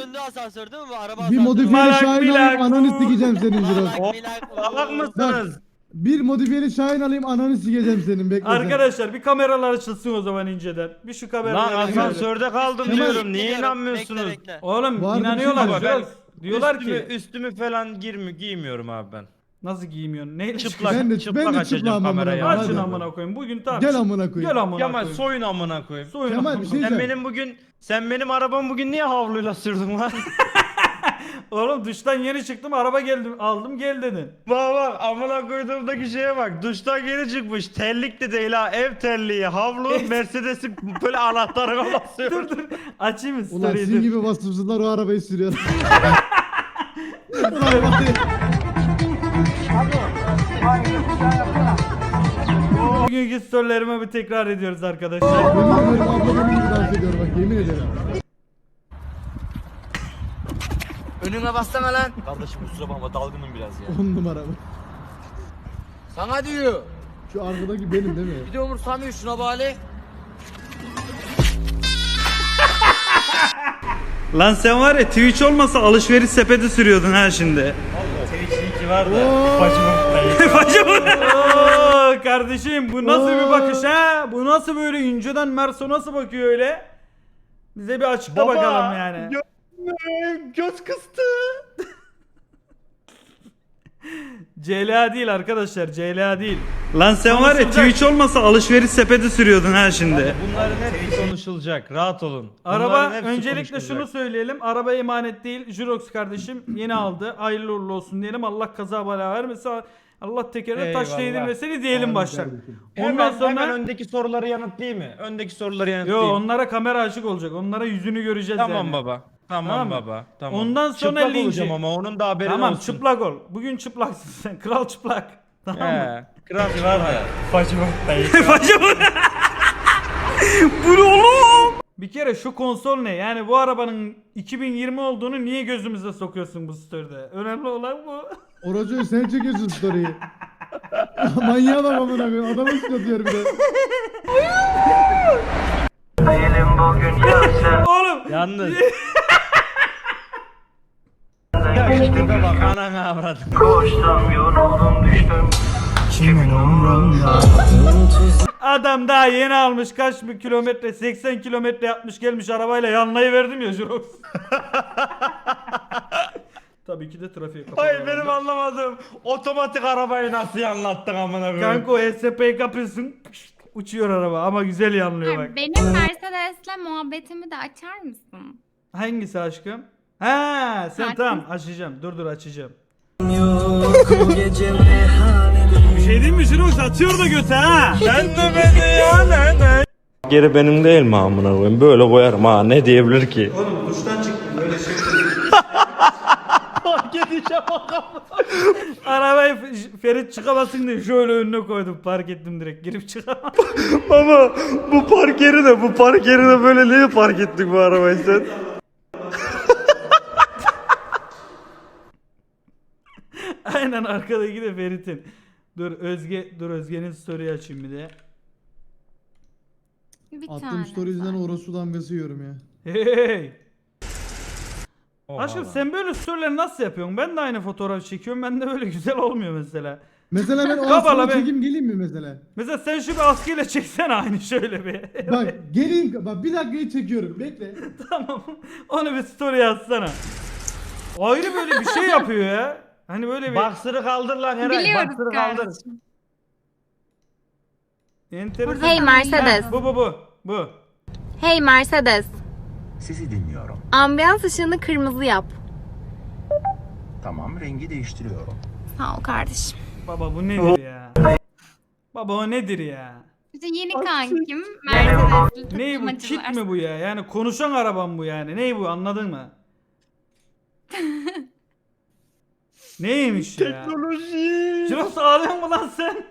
önünde asansör değil mi bu? Araba Bir asansörü. modifiyeli Malak, Şahin alayım milak. ananı sikeceğim senin Jiroz. Malak, milak, Salak mısınız? Bir modifiyeli Şahin alayım ananı sikeceğim senin bekle sen. Arkadaşlar bir kameralar açılsın o zaman inceden. Bir şu Lan kameraları asansörde kaldım Kemal- diyorum. Niye Bekle, inanmıyorsunuz? bekle, bekle. Oğlum Var bir inanıyorlar. şey Ama Jiroz. ben Diyorlar üstümü, ki üstümü falan giymiyorum abi ben. nasıl giymiyorsun? Neyle Çıplak, Ben de- çıplak ben de açacağım çıplağım kamerayı. amına Açın Hadi. amına koyayım. Bugün tamam. Gel amına koyayım. Gel amına Kemal koyayım. soyun amına koyayım. Soyun Kemal, amına bir şey koyayım. Sen benim arabamı bugün niye havluyla sürdün lan? Oğlum duştan yeni çıktım araba geldim aldım gel dedin. Bak amına koyduğumdaki şeye bak. Duştan geri çıkmış. Terlik de değil ha. Ev terliği, havlu, Mercedes'in böyle anahtarına basıyor. Dur açayım mı Ulan story'i? sizin dur. gibi vasıfsızlar o arabayı sürüyor. Ulan var ya. Bugünkü storylerimi bir tekrar ediyoruz arkadaşlar. Yemin ederim abla benim gibi dans ediyor bak yemin ederim. Önüme bassana lan. Kardeşim kusura bakma dalgınım biraz ya. 10 numara bu. Sana diyor. Şu arkadaki benim değil mi? Bir de umursamıyor şuna bari. Lan sen var ya Twitch olmasa alışveriş sepeti sürüyordun ha şimdi. Twitch linki var da. Oo, kardeşim bu nasıl bir bakış ha? Bu nasıl böyle inceden Merso nasıl bakıyor öyle? Bize bir açıkla bakalım yani. Göz kıstı. CLA değil arkadaşlar CLA değil. Lan sen var ya Twitch olmasa alışveriş sepeti sürüyordun ha şimdi. Bunların hepsi konuşulacak. Rahat olun. Araba Bunların hepsi öncelikle konuşulacak. şunu söyleyelim. Araba emanet değil. Jirox kardeşim yeni aldı. Hayırlı uğurlu olsun diyelim. Allah kaza bela vermesin. Allah tekerine taş Eyvallah. değdirmesini diyelim Amin baştan. kardeşim. Ondan sonra Hemen öndeki soruları yanıtlayayım mı? Öndeki soruları yo yanıtlayayım. onlara kamera açık olacak. Onlara yüzünü göreceğiz Tamam yani. baba. Tamam, Tamam mı? baba. Tamam. Ondan sonra Çıplak linci. olacağım ama onun da haberi Tamam olsun. çıplak ol. Bugün çıplaksın sen. Kral çıplak. Tamam mı? He. Kral var da. Bu ne oğlum? Bir kere şu konsol ne? Yani bu arabanın 2020 olduğunu niye gözümüze sokuyorsun bu story'de? Önemli olan bu. Oracı sen çekiyorsun story'i. Manyağı da amına koyayım. Adamı sıkatıyor bir de. Oğlum. Yalnız. Ya işte bak anana avradım. Adam daha yeni almış kaç bir kilometre 80 kilometre yapmış gelmiş arabayla yanlayı verdim ya Jurox. Tabii ki de trafiğe kapalı. Hayır benim anlamadım. Otomatik arabayı nasıl anlattın amına koyayım? Kanka o SP'yi kapıyorsun uçuyor araba ama güzel yanlıyor bak. Benim Mercedes'le muhabbetimi de açar mısın? Hangisi aşkım? Ha sen Sakin. tamam açacağım dur açacağım. Geri benim değil mi amına koyayım? Böyle koyarım ha ne diyebilir ki? Oğlum duştan çıktım böyle şey. Fark edeceğim Arabayı Ferit çıkamasın diye şöyle önüne koydum park ettim direkt girip çıkamam. Baba bu park yeri de böyle niye park ettik bu arabayı sen? Aynen arkadaki de Ferit'in. Dur Özge'nin story açayım bir de. Bir Attığım tane. story yüzünden orospu damgası yiyorum ya. Hey. Aşkım sen böyle storyleri nasıl yapıyorsun? Ben de aynı fotoğraf çekiyorum. Ben de böyle güzel olmuyor mesela. Mesela ben o Kapalı askıya be. çekeyim geleyim mi mesela? Mesela sen şu bir askıyla çeksene aynı şöyle bir. Bak geleyim bak bir dakikayı çekiyorum bekle. Tamam. Onu bir story yazsana. Ayrı böyle bir şey yapıyor ya. Hani böyle bir Baksırı kaldır lan Eray. Biliyoruz Baksırı kaldır. kardeşim. enteresan. Hey Mercedes. Ha, bu. Hey Mercedes. Sizi dinliyorum. Ambiyans ışığını kırmızı yap. Tamam, rengi değiştiriyorum. Sağ ol kardeşim. Baba bu nedir ya? Baba o nedir ya? İşte yeni kankim Mercedes'li Ney bu? Kit mi bu ya? Yani konuşan arabam bu yani. Ney bu anladın mı? Neymiş ya? Teknoloji. Jirox ağlıyor mu lan sen?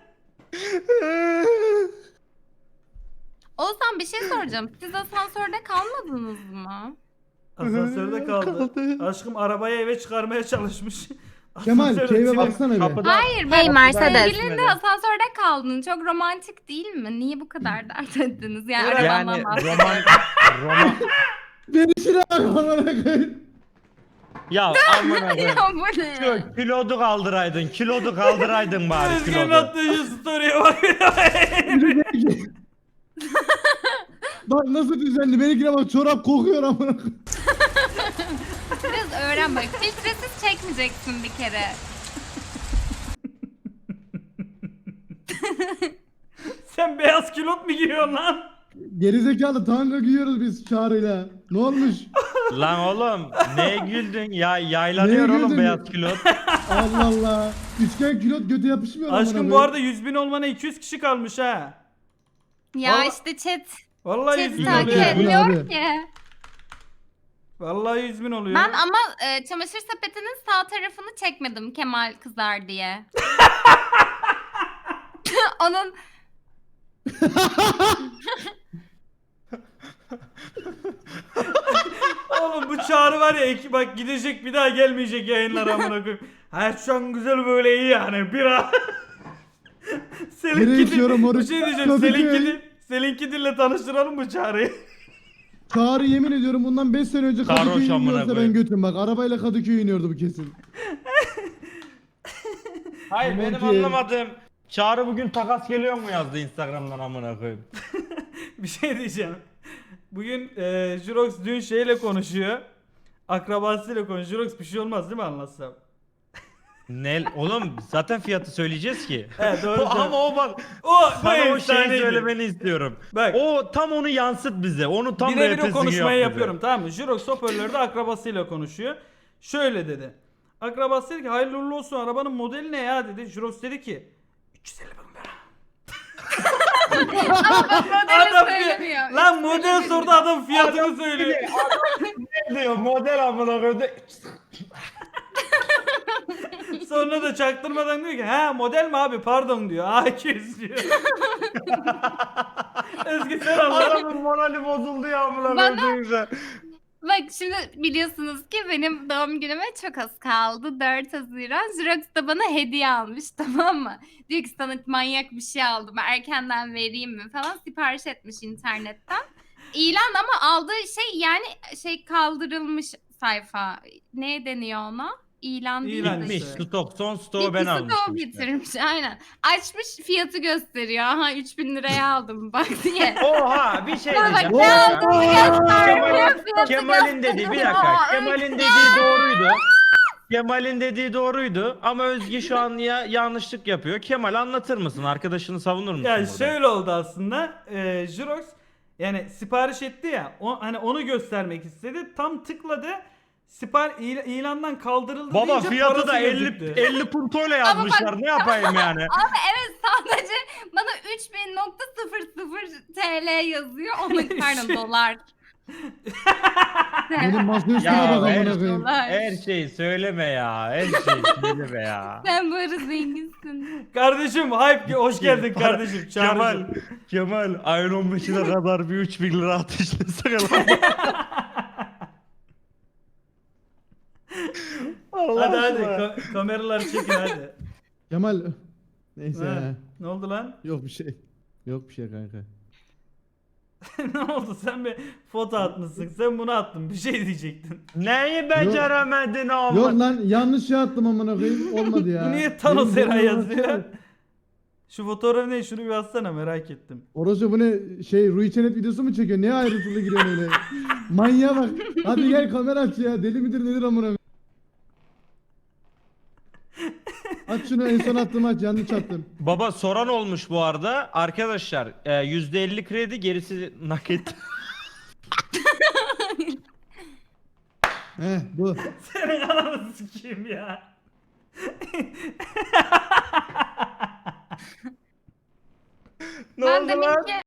Oğuzhan bir şey soracağım. Siz asansörde kalmadınız mı? Asansörde kaldı. Aşkım arabayı eve çıkarmaya çalışmış. Kemal Asansörde keyfe çivi- baksana bir. Kapıda. Hayır Hey ben Mercedes. sevgilinle asansörde kaldın. Çok romantik değil mi? Niye bu kadar dert ettiniz? Yani Yani arabandan bahsediyorum. roman Beni şuna bak amına koyayım. Ya amına koyayım. Ya bu ne? Şu kilodu kaldıraydın bari Özgür'ün kilodu. attığı şu story'e bak. Bak nasıl düzenli. Benimkine bak çorap kokuyor amına. Biraz öğren bak. Filtresiz çekmeyeceksin bir kere. Sen beyaz kilot mu giyiyorsun lan? Gerizekalı tanga giyiyoruz biz Çağrı'yla. Ne olmuş? Lan oğlum neye güldün? Ya yaylanıyor Neye oğlum güldün? beyaz kilot. Allah Allah. Üçgen külot göte yapışmıyor amına Aşkım bu koyayım. arada 100.000 olmana 200 kişi kalmış ha. Ya Vallahi- işte chat. Vallahi 100.000 Chat takip oluyor. et. etmiyor Abi. ki. Vallahi 100.000 oluyor. Ben ama çamaşır sepetinin sağ tarafını çekmedim Kemal kızar diye. Onun Oğlum bu Çağrı var ya bak gidecek bir daha gelmeyecek yayınlara amına koyayım. Hayat şu an güzel böyle iyi yani bir an. Nereye içiyorum Bir oruç? şey diyeceğim Kadıköy. Selinki dille tanıştıralım mı Çağrı'yı? Çağrı yemin ediyorum bundan 5 sene önce Sarhoş Kadıköy'e amına iniyorsa ben koyayım. götüm bak. Arabayla Kadıköy'e iniyordu bu kesin. Hayır Aman benim ki. anlamadığım Çağrı bugün takas geliyor mu yazdı Instagram'dan amına koyayım. Bir şey diyeceğim. Bugün Jurox dün şeyle konuşuyor. Akrabasıyla konuşuyor. Jurox bir şey olmaz değil mi anlatsam? Ne oğlum zaten fiyatı söyleyeceğiz ki. He doğru. Ama o bak o sana o şeyi efsaneydi. söylemeni istiyorum. Bak. O tam onu yansıt bize. Onu tam Birebir o repesini konuşmayı yap bize. yapıyorum tamam mı? Jurox hoparlörde akrabasıyla konuşuyor. Şöyle dedi. Akrabası dedi ki hayırlı uğurlu olsun arabanın modeli ne ya dedi. Jurox dedi ki 350 bin lira. modeli söylemiyor. Lan model sordu adam fiyatını söylüyor. Ne diyor model amına koydu. Sonra da çaktırmadan diyor ki ha model mi abi pardon diyor. A200 diyor. Özgür sen anladın. Adamın morali bozuldu ya amına Bana- koyduğunuzda. Bak şimdi biliyorsunuz ki benim doğum günüme çok az kaldı. 4 Haziran. Xerox da bana hediye almış tamam mı? Diyor ki sana manyak bir şey aldım. Erkenden vereyim mi falan. Sipariş etmiş internetten. İlan ama aldığı şey yani şey kaldırılmış sayfa. Ne deniyor ona? İlan değil İlan de Bitmiş işte. stok son stoğu ben Bitkisi de almıştım o işte. getirmiş aynen. Açmış fiyatı gösteriyor. Aha 3.000 liraya aldım bak diye. Oha bir şey Bana bak diyeceğim. ne aldığını göstermiyor. fiyatı Kemal'in dediği bir dakika. gösteriyor. Kemal'in dediği doğruydu. Kemal'in dediği doğruydu ama Özge şu an ya yanlışlık yapıyor. Kemal anlatır mısın? Arkadaşını savunur musun? Ya burada? şöyle oldu aslında. Jurox yani sipariş etti ya. Hani onu göstermek istedi. Tam tıkladı. İlandan kaldırıldı Baba deyince fiyatı parası da 50 50 puntoyla yazmışlar. Ne yapayım yani? Ama evet sadece bana 3000.00 TL yazıyor. Onun pardon dolar. Benim masa üstüne Ya bak amına her, koyayım. her şeyi söyleme ya. Her şeyi söyleme ya. Sen böyle zenginsin. Kardeşim hype hoş geldin kardeşim. Kemal, Çağrı'cığım. Kemal ayın 15'ine kadar bir 3000 lira ateşlesene lan. Allah Hadi hadi aşkına. kameraları çekin hadi. Kemal. Neyse Ha, ya. ne oldu lan? Yok bir şey. Yok bir şey kanka. Ne oldu sen bir foto atmışsın. Sen bunu attın. Bir şey diyecektin. Neyi beceremedin oğlum? Yok lan yanlış şey attım amına koyayım. Olmadı ya. Bu niye Thanos Benim Eray boynuma yazıyor? baksana. Şu fotoğraf ne? Şunu bir atsana merak ettim. Orası bu ne şey Rui Çenet videosu mu çekiyor? Niye ayrıntılı giriyorsun öyle? Manyağa bak. Hadi gel kamera aç ya. Deli midir nedir amına koyayım? Aç şunu en son attım aç yanlış attım. Baba soran olmuş bu arada. Arkadaşlar %50 kredi gerisi nakit. Heh bu. Senin ananı sikeyim ya. Ne Ben oldu demin lan? ki